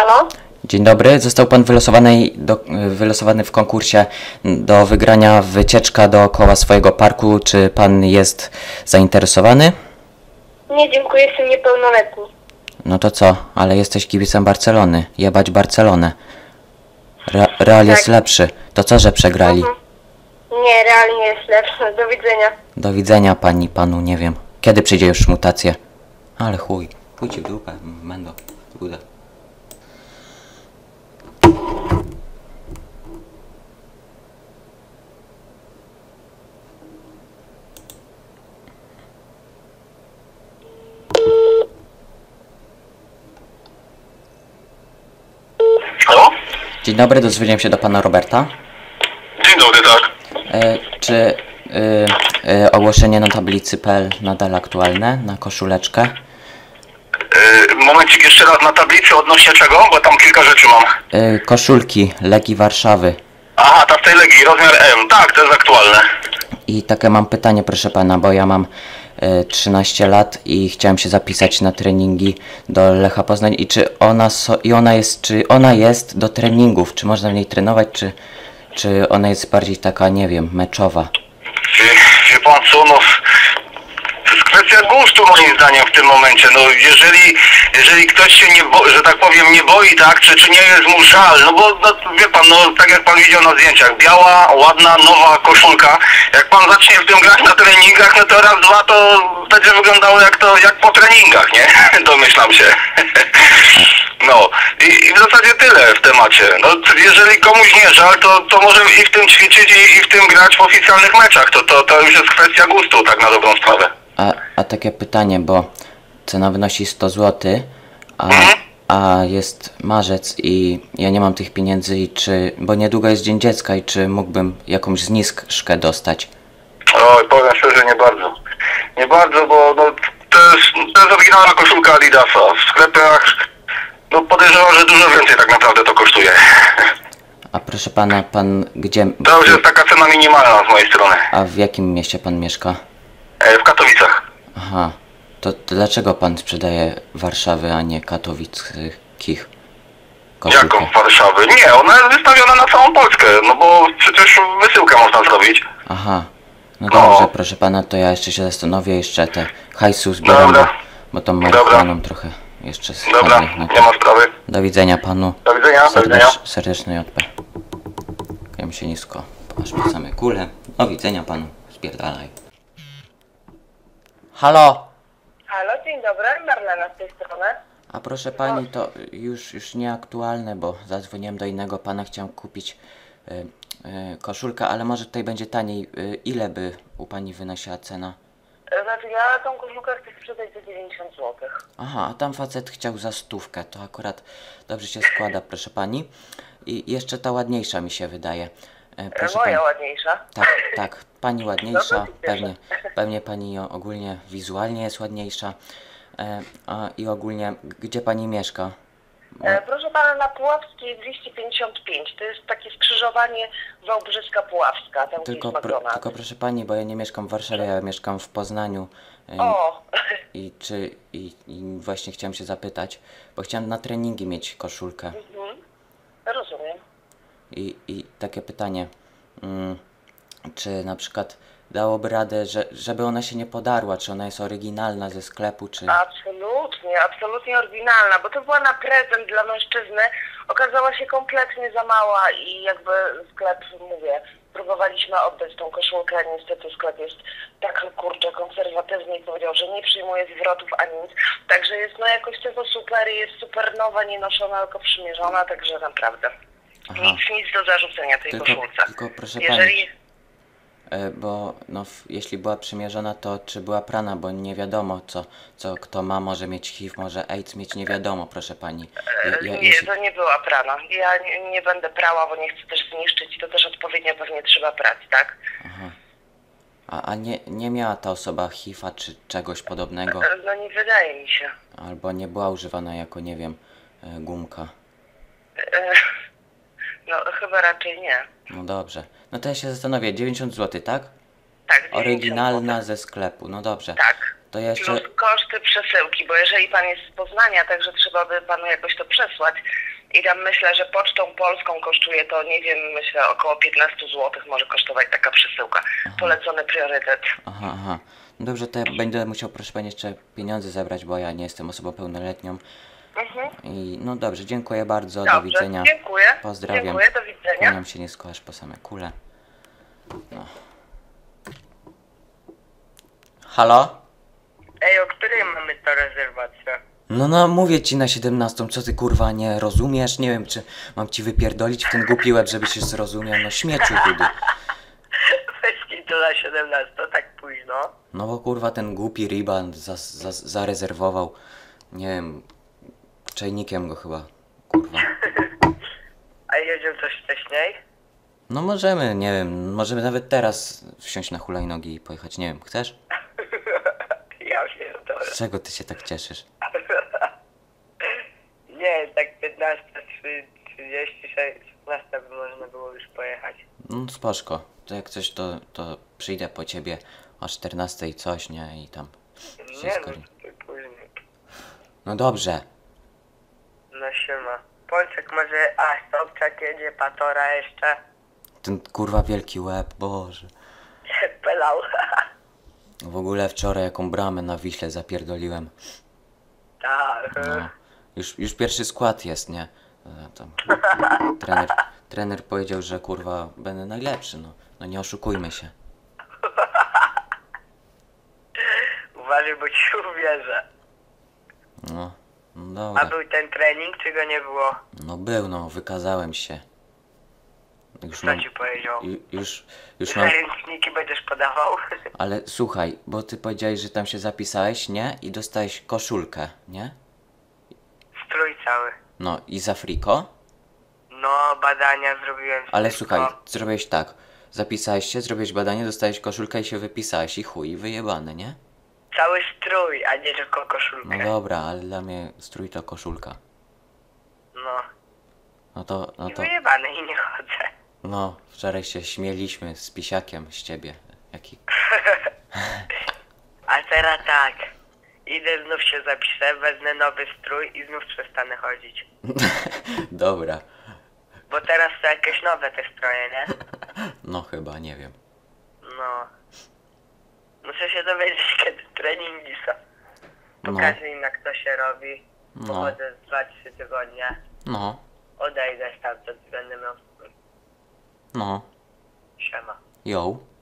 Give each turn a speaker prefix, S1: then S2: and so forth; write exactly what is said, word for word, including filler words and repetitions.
S1: Halo?
S2: Dzień dobry, został pan wylosowany, do, wylosowany w konkursie do wygrania wycieczka dookoła swojego parku. Czy pan jest zainteresowany?
S1: Nie, dziękuję, jestem niepełnoletni.
S2: No to co, ale jesteś kibicem Barcelony. Jebać Barcelonę. Re, Real jest
S1: Tak.
S2: lepszy. To co, że przegrali?
S1: Mhm. Nie, realnie jest lepszy. Do widzenia.
S2: Do widzenia pani, panu, nie wiem. Kiedy przyjdzie już mutacja? Ale chuj. Chuj ci w dupę, mendo. Buda.
S3: Halo?
S2: Dzień dobry, dozwiedziałem się do pana Roberta.
S3: Dzień dobry, tak.
S2: E, czy y, y, ogłoszenie na tablicy P L nadal aktualne na koszuleczkę?
S3: Yy, momencik jeszcze raz, na tablicy odnośnie czego? Bo tam kilka rzeczy mam.
S2: Y, koszulki Legii Warszawy.
S3: Aha, ta w tej Legii, rozmiar M. Tak, to jest aktualne.
S2: I takie mam pytanie, proszę pana, bo ja mam y, trzynaście lat i chciałem się zapisać na treningi do Lecha Poznań. I czy ona, so, i ona jest, czy ona jest do treningów? Czy można w niej trenować, czy, czy ona jest bardziej taka, nie wiem, meczowa?
S3: Wie, wie pan co, no... To jest kwestia gustu moim zdaniem w tym momencie. No jeżeli, jeżeli ktoś się nie boi, że tak powiem, nie boi, tak, czy, czy nie jest mu żal, no bo no, wie pan, no tak jak pan widział na zdjęciach, biała, ładna, nowa koszulka. Jak pan zacznie w tym grać na treningach, no to raz, dwa to będzie wyglądało jak to, jak po treningach, nie? Domyślam się. No i, i w zasadzie tyle w temacie. No jeżeli komuś nie żal, to, to może i w tym ćwiczyć i, i w tym grać w oficjalnych meczach. To, to, to już jest kwestia gustu, tak na dobrą sprawę.
S2: A, a takie pytanie, bo cena wynosi sto złotych, a, a jest marzec i ja nie mam tych pieniędzy i czy, bo niedługo jest Dzień Dziecka i czy mógłbym jakąś zniżkę dostać?
S3: Oj, powiem szczerze, nie bardzo. Nie bardzo, bo no, to, jest, to jest oryginalna koszulka Adidasa. W sklepach no, podejrzewam, że dużo więcej tak naprawdę to kosztuje.
S2: A proszę pana, pan gdzie...
S3: To już jest taka cena minimalna z mojej strony.
S2: A w jakim mieście pan mieszka?
S3: E, w Katowicach.
S2: Aha, to, to dlaczego pan sprzedaje Warszawy, a nie katowickich koszulkę?
S3: Jaką Warszawy? Nie, ona jest wystawiona na całą Polskę, no bo przecież wysyłkę można zrobić.
S2: Aha, no
S3: No.
S2: dobrze, proszę pana, to ja jeszcze się zastanowię, jeszcze te hajsu zbieram, bo,
S3: Dobra.
S2: bo tą marihuaną trochę jeszcze
S3: Dobra,
S2: spadnie. No to
S3: nie ma sprawy.
S2: do widzenia panu.
S3: Do widzenia, do widzenia.
S2: Serdecz, serdeczny J P. Kłaniam się nisko, aż po same kule. Do widzenia panu, spierdalaj. Halo!
S1: Halo, dzień dobry, Marlena z tej strony.
S2: A proszę pani, to już, już nieaktualne, bo zadzwoniłem do innego pana, chciałem kupić y, y, koszulkę, ale może tutaj będzie taniej. Y, ile by u pani wynosiła cena?
S1: Znaczy, ja tą koszulkę chcę sprzedać za dziewięćdziesiąt złotych.
S2: Aha, a tam facet chciał za stówkę, to akurat dobrze się składa, proszę pani. I jeszcze ta ładniejsza mi się wydaje. E, proszę
S1: Moja
S2: pani.
S1: ładniejsza.
S2: Tak, tak, pani ładniejsza,
S1: No to się cieszę.
S2: pewnie, pewnie pani ogólnie wizualnie jest ładniejsza. E, a, I ogólnie, gdzie pani mieszka?
S1: E, proszę pana, na Puławskiej dwieście pięćdziesiąt pięć. To jest takie skrzyżowanie Wałbrzyska-Puławska, tam
S2: Tylko,
S1: gdzie jest
S2: pro,
S1: McDonald's.
S2: tylko proszę pani, bo ja nie mieszkam w Warszawie, ja mieszkam w Poznaniu. E,
S1: O!
S2: I czy i, i właśnie chciałem się zapytać, bo chciałem na treningi mieć koszulkę.
S1: Mhm. Rozumiem.
S2: I, I takie pytanie, mm, czy na przykład dałoby radę, że, żeby ona się nie podarła, czy ona jest oryginalna ze sklepu, czy...
S1: Absolutnie, absolutnie oryginalna, bo to była na prezent dla mężczyzny, okazała się kompletnie za mała i jakby sklep, mówię, próbowaliśmy oddać tą koszulkę, a niestety sklep jest tak, kurczę, konserwatywny i powiedział, że nie przyjmuje zwrotów ani nic, także jest no jakościowo super, jest super nowa, nie noszona, tylko przymierzona, także naprawdę
S2: Aha.
S1: nic, nic do zarzucenia tej
S2: Tylko,
S1: koszulce.
S2: tylko proszę
S1: Jeżeli...
S2: pani, e, bo no, f, jeśli była przymierzona, to czy była prana, bo nie wiadomo, co, co kto ma, może mieć H I V, może AIDS mieć, nie wiadomo, proszę pani. Ja, ja,
S1: Nie,
S2: jeśli...
S1: to nie była prana. Ja nie, nie będę prała, bo nie chcę też zniszczyć i to też odpowiednio pewnie trzeba prać, tak?
S2: Aha. A, a nie, nie miała ta osoba H I V-a czy czegoś podobnego?
S1: No nie wydaje mi się.
S2: Albo nie była używana jako, nie wiem, e, gumka.
S1: E, No chyba raczej nie.
S2: No dobrze. No to ja się zastanowię, dziewięćdziesiąt złotych, tak?
S1: Tak, dziewięćdziesiąt
S2: Oryginalna
S1: złotych.
S2: ze sklepu, no dobrze.
S1: Tak.
S2: To ja jeszcze...
S1: Plus koszty przesyłki, bo jeżeli pan jest z Poznania, także trzeba by panu jakoś to przesłać, I tam myślę, że pocztą polską kosztuje to, nie wiem, myślę około piętnaście złotych może kosztować taka przesyłka. Polecony priorytet.
S2: Aha, aha. No dobrze, to ja będę musiał, proszę pani, jeszcze pieniądze zabrać, bo ja nie jestem osobą pełnoletnią.
S1: Mhm.
S2: I no dobrze, dziękuję bardzo,
S1: Dobrze,
S2: do widzenia.
S1: dziękuję.
S2: Pozdrawiam.
S1: Dziękuję, do widzenia.
S2: Kłaniam się nisko aż po same kule. No. Halo?
S4: Ej, o której mamy to rezerwację?
S2: No no, mówię ci na siedemnastą, co ty kurwa nie rozumiesz? Nie wiem, czy mam ci wypierdolić w ten głupi łeb, żebyś się zrozumiał. No śmieciu chudy.
S4: Weź mi to na siedemnaście, tak późno.
S2: No bo kurwa ten głupi Riban za, za, zarezerwował, nie wiem, czajnikiem go chyba, kurwa.
S4: A jedziemy coś wcześniej?
S2: No możemy, nie wiem, możemy nawet teraz wsiąść na hulajnogi i pojechać, nie wiem, chcesz?
S4: Ja pierdolę.
S2: Z czego ty się tak cieszysz?
S4: Nie, tak piętnaście, trzydzieści, szesnaście by można było już pojechać.
S2: No spoczko, to jak coś to, to przyjdę po ciebie o czternastej i coś, nie? I tam
S4: Nie
S2: wszystko.
S4: no, to później.
S2: No dobrze.
S4: No siema. Pączek może, a Sobczak jedzie, Patora jeszcze.
S2: Ten kurwa wielki łeb, Boże.
S4: Pelał.
S2: W ogóle wczoraj jaką bramę na Wiśle zapierdoliłem.
S4: Tak.
S2: No. Już, już pierwszy skład jest, nie? E, Tam. Trener, trener powiedział, że kurwa będę najlepszy, no. No nie oszukujmy się.
S4: Uważaj, bo ci uwierzę.
S2: No, no
S4: A
S2: dobra.
S4: był ten trening, czy go nie było?
S2: No był, no, wykazałem się. Już
S4: Co
S2: mam,
S4: ci powiedział?
S2: ju- już, już mam,
S4: Ręczniki będziesz podawał?
S2: ale słuchaj, bo ty powiedziałeś, że tam się zapisałeś, nie? I dostałeś koszulkę, nie?
S4: Strój cały.
S2: No i za friko?
S4: No, badania zrobiłem.
S2: Ale
S4: wszystko.
S2: słuchaj, zrobiłeś tak. Zapisałeś się, zrobiłeś badanie, dostałeś koszulkę i się wypisałeś i chuj, wyjebane, nie?
S4: Cały strój, a nie tylko koszulkę.
S2: No dobra, ale dla mnie strój to koszulka.
S4: No.
S2: No to, no
S4: I
S2: to,
S4: wyjebane i nie chodzę.
S2: no, wczoraj się śmieliśmy z pisiakiem z ciebie. Jaki...
S4: A teraz tak. Idę, znów się zapiszę, wezmę nowy strój i znów przestanę chodzić.
S2: Dobra.
S4: Bo teraz to jakieś nowe te stroje, nie?
S2: No chyba, nie wiem.
S4: No. Muszę się dowiedzieć, kiedy treningi są.
S2: No,
S4: Pokażę im, jak to się robi.
S2: no,
S4: Pochodzę z dwa trzy tygodnie.
S2: no,
S4: Odejdę stamtąd i będę miał spokój.
S2: no.
S4: Siema.
S2: Yo.